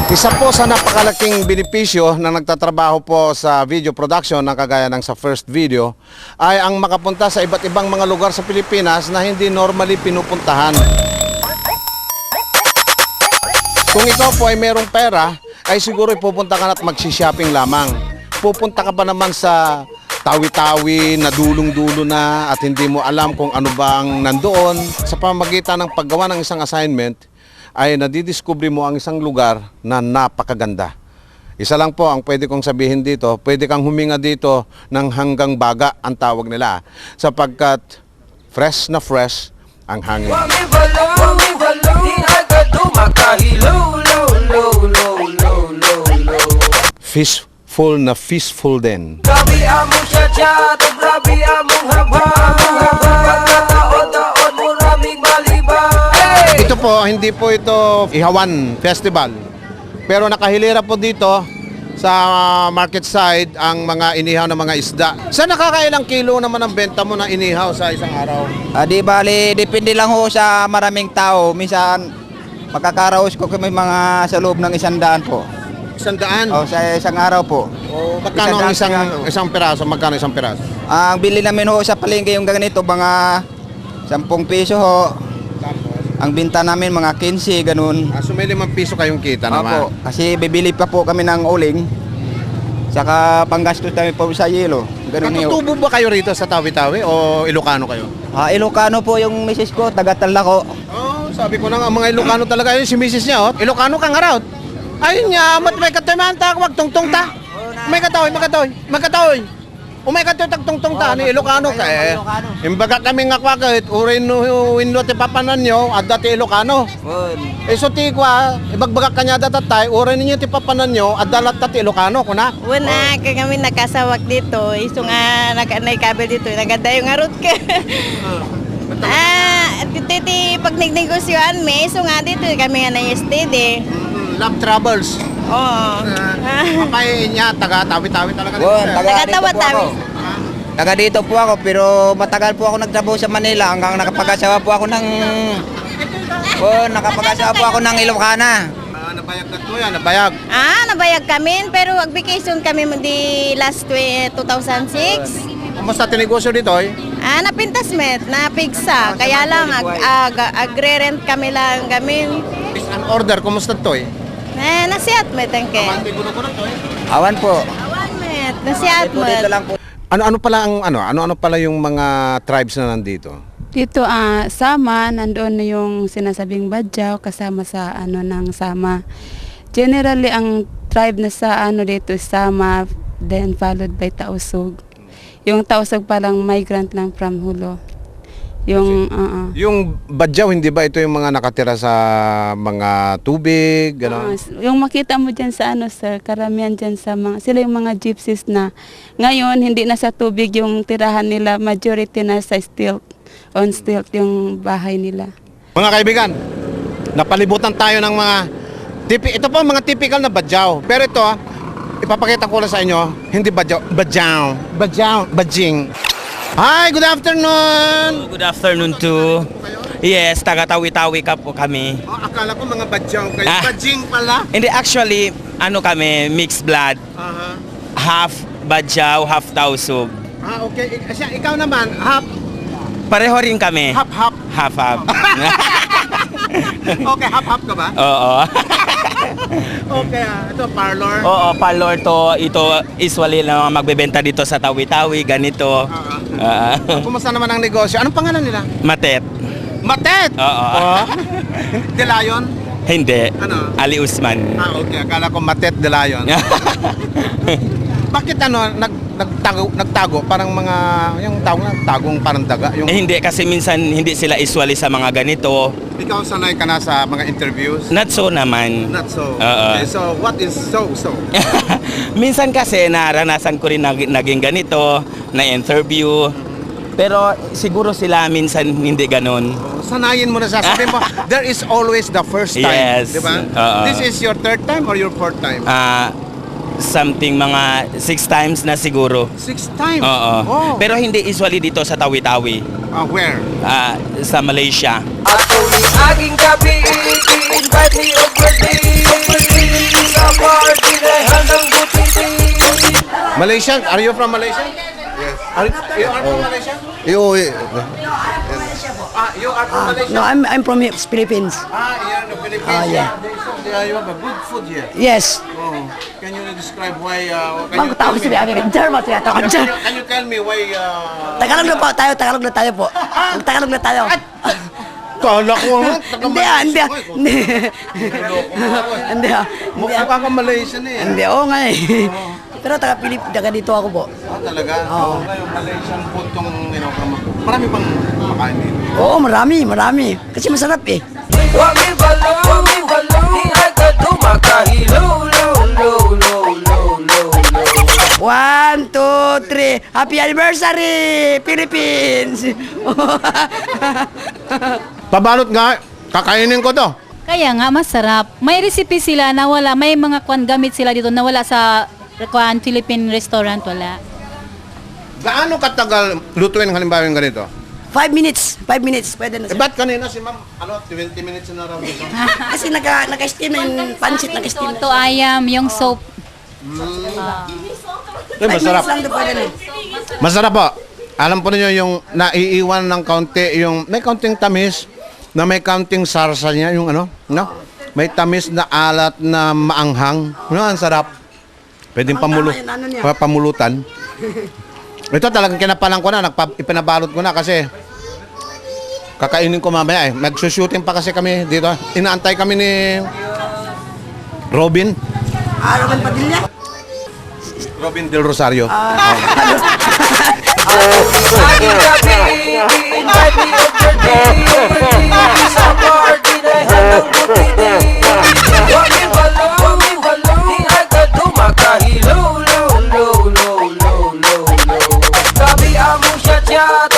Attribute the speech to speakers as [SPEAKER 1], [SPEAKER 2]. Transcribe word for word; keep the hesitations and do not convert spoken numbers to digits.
[SPEAKER 1] Isa po sa napakalaking benepisyo na nagtatrabaho po sa video production na kagaya ng sa first video ay ang makapunta sa iba't ibang mga lugar sa Pilipinas na hindi normally pinupuntahan. Kung ikaw po ay merong pera, ay siguro pupunta ka na at magsishopping lamang. Pupunta ka ba naman sa tawi-tawi na dulong-dulo na at hindi mo alam kung ano ba ang nandoon. Sa pamamagitan ng paggawa ng isang assignment, ay nadidiscover mo ang isang lugar na napakaganda. Isa lang po ang pwede kong sabihin dito, pwede kang huminga dito ng hanggang baga ang tawag nila, sapagkat fresh na fresh ang hangin. Fishful na fishful din. Ito po, hindi po ito Ihawan Festival. Pero nakahilera po dito sa market side ang mga inihaw na mga isda. Sa nakakailang kilo naman ang benta mo na inihaw sa isang araw?
[SPEAKER 2] Ah, di bali, depende lang ho sa maraming tao. Minsan, makakaraos ko kami mga sa loob ng isang daan po.
[SPEAKER 1] Isang daan?
[SPEAKER 2] O, sa isang araw po.
[SPEAKER 1] O, magkano ang isang, isang piraso? Magkano isang piraso?
[SPEAKER 2] Ang bili namin ho sa palengke yung ganito, mga sampung piso ho. Ang binta namin mga quince, ganun.
[SPEAKER 1] Ah, so may limang piso kayong kita
[SPEAKER 2] Opo,
[SPEAKER 1] naman?
[SPEAKER 2] kasi bibili pa po kami ng uling. Saka panggastos kami po sa yelo. Ganun yun.
[SPEAKER 1] Natutubo ba kayo rito sa Tawi-Tawi o Ilocano kayo?
[SPEAKER 2] Ah, Ilocano po yung misis ko, taga-Talako.
[SPEAKER 1] Oh, sabi ko na nga, mga Ilocano talaga yun, si misis niya, oh. Ilocano ka nga raw. Ayun niya, mat may katoy man ta, wag tungtong ta. May katoy, magkatoy, magkatoy. Umay katoy tagtungtong ta, ni Ilocano ka eh. Imbaga kami nga kwakit, urin no winlo ti papanan nyo, at dati Ilocano. Eh so ti kwa, ibagbaga kanya datatay, urin ninyo ti papanan nyo, at dalat ti Ilocano, kuna.
[SPEAKER 3] Una, kaya kami nakasawak dito, iso nga nag-kabel dito, naganda yung arot ka. Ah, dito ti pag nagnegosyoan me, iso nga dito kami nga na-steady.
[SPEAKER 1] Love Travels.
[SPEAKER 3] Oo.
[SPEAKER 1] Kapay niya, taga Tawi-Tawi talaga.
[SPEAKER 2] Bon, taga dito po
[SPEAKER 3] Taga-Tawa-Tawi.
[SPEAKER 2] ako. Taga dito po ako, pero matagal po ako nagtrabaho sa Manila hanggang nakapag-asawa po ako ng... Bon, nakapag-asawa po ako ng Ilocana.
[SPEAKER 1] Ah, nabayag na to yan, nabayag.
[SPEAKER 3] Ah, nabayag kami, pero ag-vacation kami mo di last two thousand six.
[SPEAKER 1] Kumusta tinegosyo dito eh?
[SPEAKER 3] Ah, napintas met, napigsa. Kaya lang, ag, ag, agre-rent kami lang gamin.
[SPEAKER 1] Is an order, kumusta to eh?
[SPEAKER 3] Eh, nasiat met ang ke.
[SPEAKER 1] Kamante gulo ko na to eh.
[SPEAKER 2] Awan po.
[SPEAKER 3] Awan met, nasiat
[SPEAKER 2] Dito, dito
[SPEAKER 3] met.
[SPEAKER 2] lang po.
[SPEAKER 1] Ano-ano pala ang ano, ano-ano pala yung mga tribes na nandito?
[SPEAKER 4] Dito ah Sama, nandoon na yung sinasabing Badyaw kasama sa ano ng Sama. Generally ang tribe na sa ano dito is Sama, then followed by Tausug. Yung Tausug palang migrant lang from Hulo. Yung uh, uh,
[SPEAKER 1] Yung Badyaw, hindi ba ito yung mga nakatira sa mga tubig, gano'n?
[SPEAKER 4] uh, yung makita mo diyan sa ano sir, karamihan diyan sa mga sila yung mga gypsies na ngayon hindi na sa tubig yung tirahan nila, majority na sa stilt, on stilt yung bahay nila.
[SPEAKER 1] Mga kaibigan, napalibutan tayo ng mga tipi, ito po mga typical na Badyaw. Pero ito, ah, ipapakita ko lang sa inyo, hindi Badyaw, Badyaw, Badyaw, Badjing. Hi, good afternoon!
[SPEAKER 5] Good afternoon to. Yes, taga Tawi-Tawi ka po kami.
[SPEAKER 1] Oh, akala ko mga Badyaw kayo,
[SPEAKER 5] Ah.
[SPEAKER 1] Badjing pala.
[SPEAKER 5] Hindi, actually, ano kami, mixed blood.
[SPEAKER 1] Aha.
[SPEAKER 5] Half Badyaw, half Tausug.
[SPEAKER 1] Ah, okay. Kasi ikaw naman, half,
[SPEAKER 5] Pareho rin kami.
[SPEAKER 1] half, half.
[SPEAKER 5] Half, half.
[SPEAKER 1] Okay, half, half ka ba?
[SPEAKER 5] Oo.
[SPEAKER 1] Okay, ah, ito parlor.
[SPEAKER 5] Oo, parlor to. Ito, usually lang magbebenta dito sa Tawi-Tawi, ganito. Ah,
[SPEAKER 1] Kumusta naman ang negosyo? Anong pangalan nila?
[SPEAKER 5] Matet.
[SPEAKER 1] Matet!
[SPEAKER 5] Oo.
[SPEAKER 1] Oh. De Lion?
[SPEAKER 5] Hindi.
[SPEAKER 1] Ano?
[SPEAKER 5] Ali Usman.
[SPEAKER 1] Ah, okay. Akala ko Matet De Lion. Bakit ano, nag, nagtago, nagtago? Parang mga, yung tawag na, tagong parang daga. Yung,
[SPEAKER 5] Eh, hindi, kasi minsan hindi sila usually sa mga ganito.
[SPEAKER 1] ikaw sanay ka na sa mga interviews?
[SPEAKER 5] Not so naman.
[SPEAKER 1] Not so.
[SPEAKER 5] Oo.
[SPEAKER 1] Okay, so what is so-so?
[SPEAKER 5] Minsan kasi naranasan ko rin nag- naging ganito, na interview. Pero siguro sila minsan hindi ganun.
[SPEAKER 1] Sanayin mo na sasabihin mo, there is always the first time.
[SPEAKER 5] Yes.
[SPEAKER 1] Di ba?
[SPEAKER 5] Oo.
[SPEAKER 1] This is your third time or your fourth time?
[SPEAKER 5] Ah, something mga six times na siguro.
[SPEAKER 1] Six time?
[SPEAKER 5] Oo.
[SPEAKER 1] Oh.
[SPEAKER 5] Pero hindi usually dito sa Tawi-Tawi.
[SPEAKER 1] Ah, where?
[SPEAKER 5] Ah, sa Malaysia.
[SPEAKER 6] Ako ni aking gabi, invite me over
[SPEAKER 1] Malaysian? Are you from Malaysia? Yes. Are, you are from Malaysia?
[SPEAKER 6] You, eh,
[SPEAKER 1] Ah, you are from Malaysia?
[SPEAKER 7] No, I'm I'm from Philippines.
[SPEAKER 1] Ah, you're in the Philippines.
[SPEAKER 7] Ah, yeah.
[SPEAKER 1] They said uh, you have a good food here.
[SPEAKER 7] Yes.
[SPEAKER 1] Oh, can you describe why? Uh, can, you
[SPEAKER 7] Bago
[SPEAKER 1] tell
[SPEAKER 7] tao si
[SPEAKER 1] me,
[SPEAKER 7] Abi Ranger, mas yata
[SPEAKER 1] can,
[SPEAKER 7] ko
[SPEAKER 1] you,
[SPEAKER 7] dyan.
[SPEAKER 1] can you tell me why? Uh,
[SPEAKER 7] Tagalog na po tayo, Tagalog na tayo po. Tagalog na tayo.
[SPEAKER 1] Kala ko nga. taga
[SPEAKER 7] Hindi ah, hindi ah.
[SPEAKER 1] Malaysia.
[SPEAKER 7] Hindi.
[SPEAKER 1] Loko mo ako eh.
[SPEAKER 7] Hindi ah. Hindi
[SPEAKER 1] Mukha
[SPEAKER 7] ah.
[SPEAKER 1] ka kang Malaysian eh.
[SPEAKER 7] Hindi, oo nga eh. Pero taga Pilip, taga dito ako po.
[SPEAKER 1] Ah, talaga? Oo. Ngayon, Malaysian food tong inokama ko. Marami pang makain dito.
[SPEAKER 7] Oo, marami, marami. Kasi masarap eh. One, two, three. Happy anniversary, Philippines!
[SPEAKER 1] Pabalot nga, kakainin ko to.
[SPEAKER 8] Kaya nga masarap. May recipe sila na wala, may mga kwan gamit sila dito na wala sa kwan Philippine restaurant, wala.
[SPEAKER 1] Gaano katagal lutuin halimbawa yung ganito?
[SPEAKER 7] Five minutes. Five minutes. Pwede na
[SPEAKER 1] Eh,
[SPEAKER 7] siya.
[SPEAKER 1] ba't kanina si ma'am, ano, twenty minutes na raw dito?
[SPEAKER 7] Kasi naka, naka-steam na yung pancit, naka-steam na.
[SPEAKER 8] Toto ayam, yung soap.
[SPEAKER 1] Eh, masarap.
[SPEAKER 7] Five minutes lang to pwede na.
[SPEAKER 1] Masarap po. Alam po niyo yung naiiwan ng kaunti, yung may kaunting tamis, na may kaunting sarsa niya, yung ano, no? May tamis na alat na maanghang. Ano, ang sarap. Pwedeng pamulo,
[SPEAKER 7] Ang tama yun, ano niya?
[SPEAKER 1] pa- pamulutan. Ito talagang kinapalan ko na, nagpa, ipinabalot ko na kasi kakainin ko mamaya eh. Magsushooting pa kasi kami dito. Inaantay kami ni Robin.
[SPEAKER 7] Ah, Robin Padilla?
[SPEAKER 1] Robin Del Rosario.
[SPEAKER 9] Kami amo siya